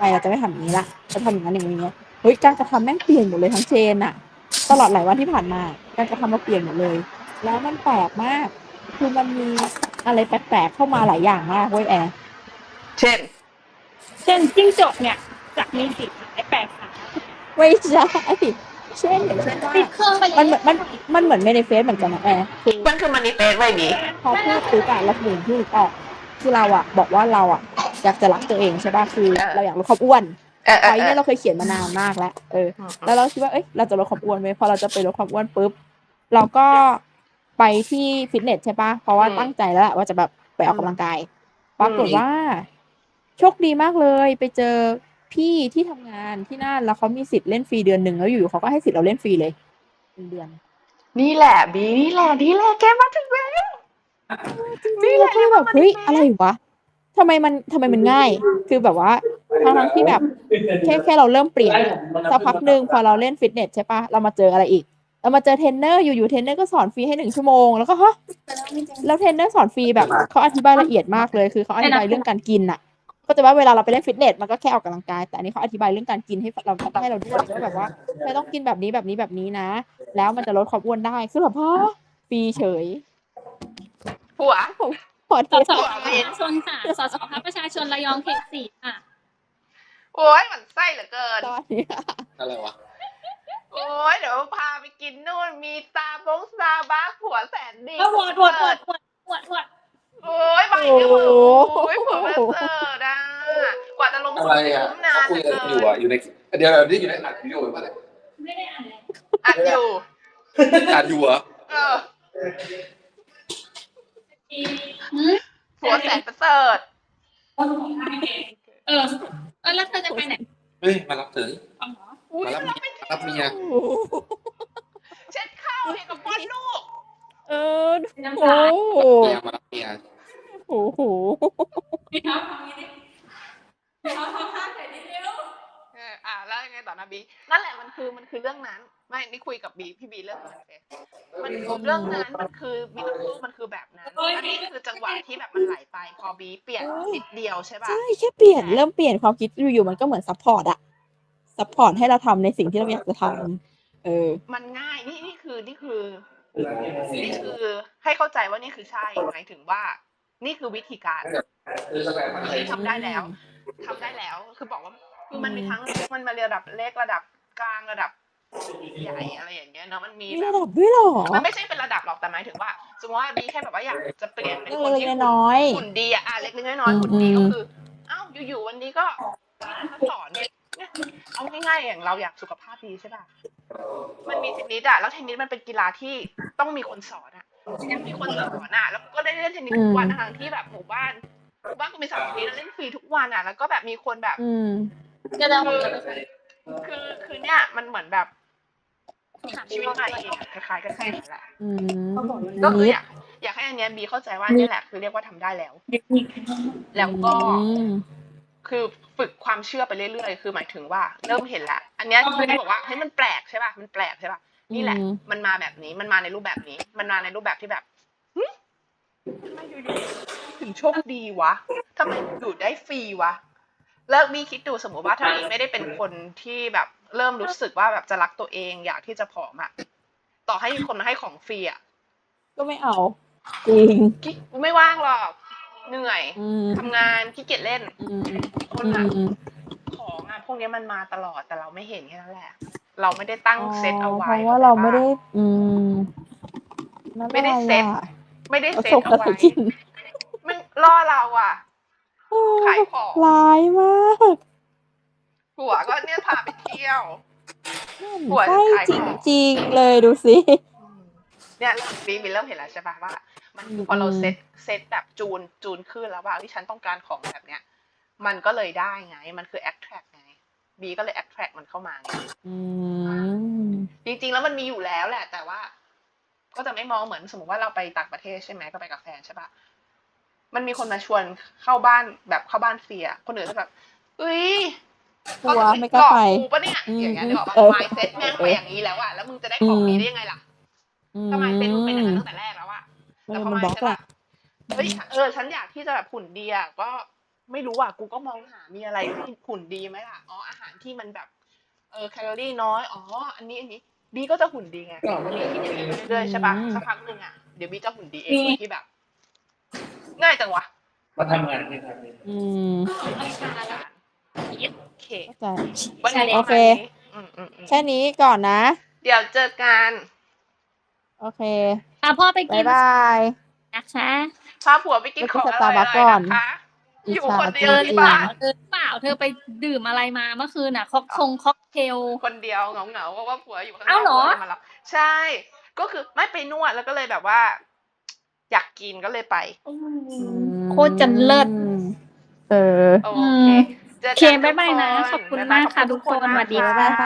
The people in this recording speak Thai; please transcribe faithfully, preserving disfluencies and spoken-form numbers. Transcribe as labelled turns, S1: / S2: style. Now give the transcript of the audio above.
S1: เราจะไม่ทำอย่างนี้ละจะทำอย่างนั้นอย่างนี้เฮ้ยการกระทำแม่งเปลี่ยนหมดเลยทั้งเชนอะตลอดหลายวันที่ผ่านมาการกระทำเราเปลี่ยนหมดเลย แล้วมันแปลกมาก คือมันมีอะไรแปลกๆเข้ามาหลายอย่างมากเว้ยแอร์
S2: เช่น
S3: เช่นจิ้งจกเนี่ยจะมีสีไอ้แปลกขา
S1: ไม่ใช่เช่นอย่างเช่นว่า
S3: ติดเครื่องไปเลย
S1: มันเหมือนมันมันเหมือนเมนิเฟสเหมือนกันนะแอร์คือ
S2: มันคือมันนิเฟสไว้บี
S1: พอพูดปุ๊บอะเราถึงพูดออกคือเราอะบอกว่าเราอะอยากจะรักตัวเองใช่ป่ะคือเราอยากลดความอ้วน
S2: เออเอ
S1: ไว้
S2: อเอ
S1: เนี่
S2: อย
S1: เราเคยเขียนมานานมากแล้วเออ แล้วเราคิดว่าเอ้ยเราจะลดความอ้วนไหมพอเราจะไปลดความอ้วนปุ๊บเราก็ไปที่ฟิตเนสใช่ป่ะเพราะว่าตั้งใจแล้วแหละว่าจะแบบไปออกกำลังกายปรากฏว่า โชคดีมากเลยไปเจอพี่ที่ทำงานที่นั่นแล้วเขามีสิทธิ์เล่นฟรีเดือนหนึ่งแล้วอยู่ๆเขาก็ให้สิทธิ์เราเล่นฟรีเลยเป็นเดือน
S2: นี่แหละบีนี่แหละนี่แหละแกมาถึงแล้ว
S1: จริงๆแล้วคือแบบเฮ้ยอะไรวะทำไมมันทำไมมันง่าย คือแบบว่าทั้งๆที่แบบแค่แค่เราเริ่มเปลี่ยนสักพักหนึ่งพอเราเล่นฟิตเนสใช่ปะเรามาเจออะไรอีก เรามาเจอเทรนเนอร์อยู่ๆเทรนเนอร์ก็สอนฟรีให้หนึ่งชั่วโมงแล้วก็ฮะแล้วเทรนเนอร์สอนฟรีแบบเขาอธิบายละเอียดมากเลยคือเขาอธิบายเรื่องการกินอ่ะ ก็จะว่าเวลาเราไปเล่นฟิตเนสมันก็แค่ออกกำลังกายแต่อันนี้เขาอธิบายเรื่องการกินให้เราให้เราด้วยว่าแบบว่าไม่ต้องกินแบบนี้แบบนี้แบบนี้นะ แล้วมันจะลดความอ้วนได้คือแบบฮะฟรีเฉย
S2: หัว
S1: พอ
S3: ส
S1: เท
S3: ส
S1: ส
S3: ประชาชนค่ะสสพักประชาชนระยองเขตสี่ค่ะ
S2: โอ้ยมันไส้เหลือเกิน
S1: ตอนนี้
S4: อะไรวะ
S2: โอ้ยเดี๋ยวพาไปกินนู่นมีตาบงซาบักผัวแสนดี
S3: ก็วดวดวดวดวดวด
S2: โอ้ยใบเนี่ยเหรอโอ้ยผัวแม่เสิร์ดอ่ะกว่าจะลง
S4: อะไรอ่ะ
S2: คุ้มนา
S4: เขา
S2: น
S4: คุย
S2: เหลื
S4: กั
S2: อน เกิ
S4: อยู่
S2: น
S4: อ่ะอยู่ในเดี๋ยวเดี๋ยวนี่อยู่ในอัดวิดีโอป่ะเนี่ย
S3: ไม่ได้อ่านเลย
S2: อัดอยู่
S4: อัดอยู่เหรอ
S2: เออ
S3: หืม
S2: ผัวแสนประเสริฐ
S3: เออเออแล้วเธอจะไปไหน
S4: เฮ้ยมารับเถอะ
S3: อ๋อ
S2: อุ้ย
S4: มารับ
S2: เรา
S4: เมีย
S2: ไป
S4: มารับเมีย
S2: เช็ดข้าวให้กับป้อนลูก
S1: เออโอ้โห
S4: เมียมารับเมีย
S1: โอ้โห
S3: พี่ท็อปทำนี้ดิพี่ท็อปทำท่าใส่ดิเร็ว
S2: เอออ่ะแล้วยังไงต่อนะบีนั่นแหละมันคือมันคือเรื่องนั้นไม่นี่คุยกับบีพี่บีเรื่องนั้นเองมันคือเรื่องนั้นมันคือมิราเคิลมันคือแบบนั้นอันนี้คือจังหวะที่แบบมันไหลไปพอบีเปลี่ยนนิดเดียวใช่ป่ะ
S1: ใช่แค่เปลี่ยนเริ่มเปลี่ยนความคิดอยู่ๆมันก็เหมือนซัพพอร์ตอะซัพพอร์ตให้เราทำในสิ่งที่เราอยากจะทำเออ
S2: มันง่ายนี่นี่คือนี่คือนี่คือให้เข้าใจว่านี่คือใช่หมายถึงว่า นี่คือวิธีการที่ทำได้แล้วทำได้แล้วคือบอกว่าคือมันมีทั้งมันมาระดับเล็กระดับกลางระดับใหญ่อะไรอย่างเงี้ยเนาะมันมี
S1: มี
S2: แบ
S1: ระ
S2: บ
S1: ดับด้วยเหรอ
S2: มันไม่ใช่เป็นระดับหรอกแต่หมายถึงว่าสมมติว่าบีแค่แบบว่าอยากจะเปลี่ยนเป็นคนที่
S1: เล็กๆน้อยๆ
S2: หุ่นดีอะอ่ะเล็กๆน้อยๆหุ่นดี
S1: อื
S2: ก็
S1: ม
S2: คืออ้าวอยู่ๆวันนี้ก็สอนเนี่ยเอาง่ายๆอย่างเราอยากสุขภาพดีใช่ป่ะมันมีเทนนิสอะแล้วเทนนิสมันเป็นกีฬาที่ต้องมีคนสอนอะยังมีคนสอนอะแล้วก็ได้เล่นเทนนิสทุกวันทางที่แบบหมู่บ้านหมู่บ้านก็มีสนามเทนนิสแล้วเล่นฟรีทุกวันอะแล้วก็แบบมีคนแบบ
S1: อืม
S3: จะเร็ว
S2: คือคือเนี่ยมันเหมือนแบบชีวิตใหม่เองอะคล้ายๆกันแค่นั้นแหละ
S1: อืม
S2: ก็คือ
S1: นิด
S2: อยากอยากให้อันเนี้ยบีเข้าใจว่านี่แหละคือเรียกว่าทำได้แล้ว แล้วก็
S1: อืม
S2: คือฝึกความเชื่อไปเรื่อยๆ คือหมายถึงว่าเริ่มเห็นละอันเนี้ยที่บอกว่าเฮ้ยมันแปลกใช่ป่ะ มันแปลกใช่ป่ะ นี่แหละ มันมาแบบนี้ มันมาในรูปแบบนี้ มันมาในรูปแบบที่แบบหึทำไมอยู่ๆถึงโชคดีวะทำไมอยู่ได้ฟรีวะ แล้วบีคิดดูสมมติว่าถ้าบีไม่ได้เป็นคนที่แบบเริ่มรู้สึกว่าแบบจะรักตัวเองอยากที่จะผอมอะต่อให้มีคนมาให้ของฟรีอะ
S1: ก็ไม่เอา จริง
S2: กิ๊กไม่ว่างหรอก เหนื่อย
S1: อืม
S2: ทำงานขี้เกียจเล่น
S1: อืม
S2: คน
S1: อื
S2: อะ
S1: ม
S2: ของอะพวกนี้มันมาตลอดแต่เราไม่เห็นแค่นั้นแหละ เราไม่ได้ตั้ง
S1: อ๋อ
S2: เซตเอา
S1: เพ
S2: ไว้
S1: ราะว่าเราไม่ได้
S2: ข้ใจปะ
S1: อืมนั่น
S2: ไม่ได้
S1: อะไร
S2: เซ็ต
S1: อ่ะ
S2: ไม่ได้
S1: เอา
S2: เซ
S1: ช
S2: ต
S1: ม
S2: เอา
S1: อะไร
S2: ไว้
S1: กิน
S2: มันล่อเราอะ
S1: โอ้
S2: ขายของ
S1: ร้ายมาก
S2: หัวก็เนี่ยพาไปเที่ยว
S1: นั่น
S2: หัว
S1: ใช่
S2: จะขาย
S1: จ
S2: ของ
S1: ริงๆเลยดูสิ
S2: เนี่ยเริ่มบีบีเริ่มเห็นแล้วใช่ปะว่า มันคือพอเราเซตเซตแบบจูนจูนขึ้นแล้วว่าที่ฉันต้องการของแบบเนี้ย มันก็เลยได้ไง มันคือ attract ไงบีก็เลย attract มันเข้ามาไง
S1: อืม
S2: จริงๆแล้วมันมีอยู่แล้วแหละ แต่ว่า ก็จะไม่มองเหมือนสมมติว่าเราไปต่างประเทศใช่ไหมก็ไปกับแฟนใช่ปะมันมีคนมาชวนเข้าบ้านแบบเข้าบ้านฟรีอะคนอื่นจะแบบเอ้ย
S1: กลัวไม่กล้าไป
S2: กูปะเนี่ย
S1: อืม
S2: อย่างเงี้ยนึกออกปะ
S1: เออ
S2: mindset แม่งไปอย่างนี้แล้วอะแล้วมึงจะได้ของ
S1: อืม
S2: ดีได้ยังไงล่ะ
S1: อื
S2: ทำไมเป็นมึงเป็นอย่างนั้น
S1: ม
S2: ตั้งแต่แรกแล้วอะ
S1: เอ
S2: แต่
S1: อ
S2: พอ
S1: มัน
S2: มา
S1: บล็อก
S2: ใช่
S1: แห
S2: ปะ
S1: ละ
S2: เฮ้ยเออฉันอยากที่จะแบบหุ่นดีอะก็ไม่รู้อ่ะกูก็มองหามีอะไรที่หุ่นดีไหมล่ะอ๋ออาหารที่มันแบบเออแคลอรี่น้อยอ๋ออันนี้อันนี้บีก็จะหุ่นดีไงบีคิดอย่างนี้ไปเรื่อยๆใช่ปะสักพักหนึ่งอ่ะเดี๋ยวบีจะหุ่นดีเองโดยที่แบบ ง่ายจังวะ
S5: มาทำงานที่ทำนี่
S1: อืม
S2: โอเค
S1: เข้าใจ
S2: วันนี้
S1: โอเค
S2: ประมาณนี้อืมอืมอืม
S1: แค่นี้ก่อนนะ
S2: เดี๋ยวเจอกัน
S1: โอเค
S3: อ่ะพ่อไป
S1: บา
S3: กิ
S1: ย
S3: น
S1: บาย
S3: นะคะ
S2: พาผัวไปกินของอร่อยๆนะคะ
S1: อิจ
S2: อยู่
S1: ฉา
S2: คนเดี
S1: จ
S2: ยว
S1: ริ
S2: ที่
S1: ง
S2: บ้าน
S3: เออเปล่าเธอไปดื่มอะไรมาเมื่อคืนน่ะค็อกทงค็อกเทล
S2: คนเดียวเหงาๆเพราะว่าผัวอยู่ข้างน
S3: เอ้า
S2: อก
S3: เหรอ
S2: ผัวเลยมารับใช่ ก็คือไม่ไปนวดแล้วก็เลยแบบว่า อยากกินก็เลยไป
S3: อื
S1: ๆ
S3: มโคตรจะเลิศ
S1: เออ
S2: โอ
S3: อื
S2: เค
S3: ม
S2: เจอ
S3: โอเค
S2: กันทุก
S3: บ๊ายบายนะ
S2: ค
S3: ขอบคุณ
S2: บ๊ย
S3: มาก
S2: ขอบ
S3: ค่ะทุกคน
S2: มาก
S3: สวัสดี
S2: ค่ะ
S1: บ๊ายบายค่ะ